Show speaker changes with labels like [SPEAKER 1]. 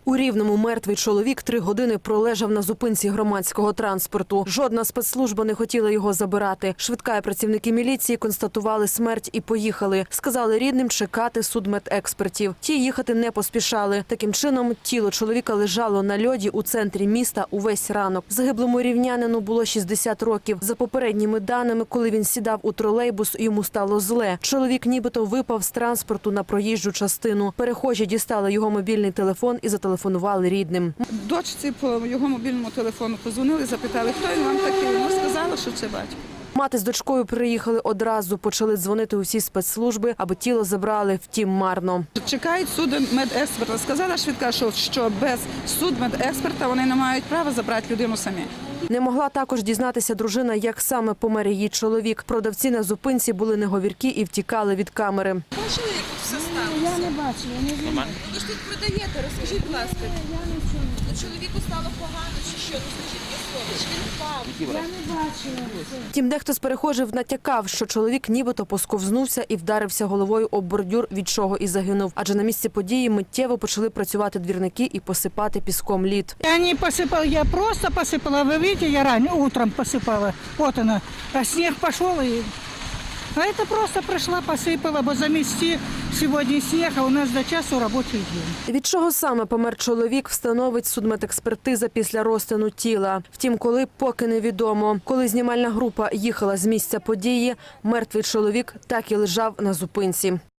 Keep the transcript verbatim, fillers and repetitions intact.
[SPEAKER 1] У Рівному мертвий чоловік три години пролежав на зупинці громадського транспорту. Жодна спецслужба не хотіла його забирати. Швидка і працівники міліції констатували смерть і поїхали. Сказали рідним чекати судмедекспертів. Ті їхати не поспішали. Таким чином, тіло чоловіка лежало на льоді у центрі міста увесь ранок. Загиблому рівнянину було шістдесят років. За попередніми даними, коли він сідав у тролейбус, йому стало зле. Чоловік нібито випав з транспорту на проїжджу частину. Перехожі дістали його мобільний телефон і зателефонували рідним.
[SPEAKER 2] Дочці по його мобільному телефону позвонили, запитали, хто він вам такий. Вона сказала, що це батько.
[SPEAKER 1] Мати з дочкою приїхали одразу, почали дзвонити у всі спецслужби, аби тіло забрали, втім марно.
[SPEAKER 2] Чекають судмедексперта. Сказала швидка, що, що без судмедексперта вони не мають права забрати людину самі.
[SPEAKER 1] Не могла також дізнатися дружина, як саме помер її чоловік. Продавці на зупинці були неговіркі і втікали від камери.
[SPEAKER 3] Бачили, як тут все сталося?
[SPEAKER 4] Я не бачила. Не
[SPEAKER 3] Ви ж тут продаєте, розкажіть, будь ласка. Чоловіку стало погано чи що? Ну скажіть мені слово, чи він впав?
[SPEAKER 4] Я не бачила.
[SPEAKER 1] Втім, дехто з перехожих натякав, що чоловік нібито посковзнувся і вдарився головою об бордюр, від чого і загинув. Адже на місці події миттєво почали працювати двірники і посипати піском лід.
[SPEAKER 4] Я не посыпала, я просто посыпала. Вы видите, я ранее утром посыпала. Вот она. А снег пошел и... А это просто пришла, посыпала, бо замести сегодня снег, а у нас до часу робочий день.
[SPEAKER 1] Від чого саме помер чоловік, встановить судмедекспертиза після розтину тіла. Втім, коли – поки невідомо. Коли знімальна група їхала з місця події, мертвий чоловік так і лежав на зупинці.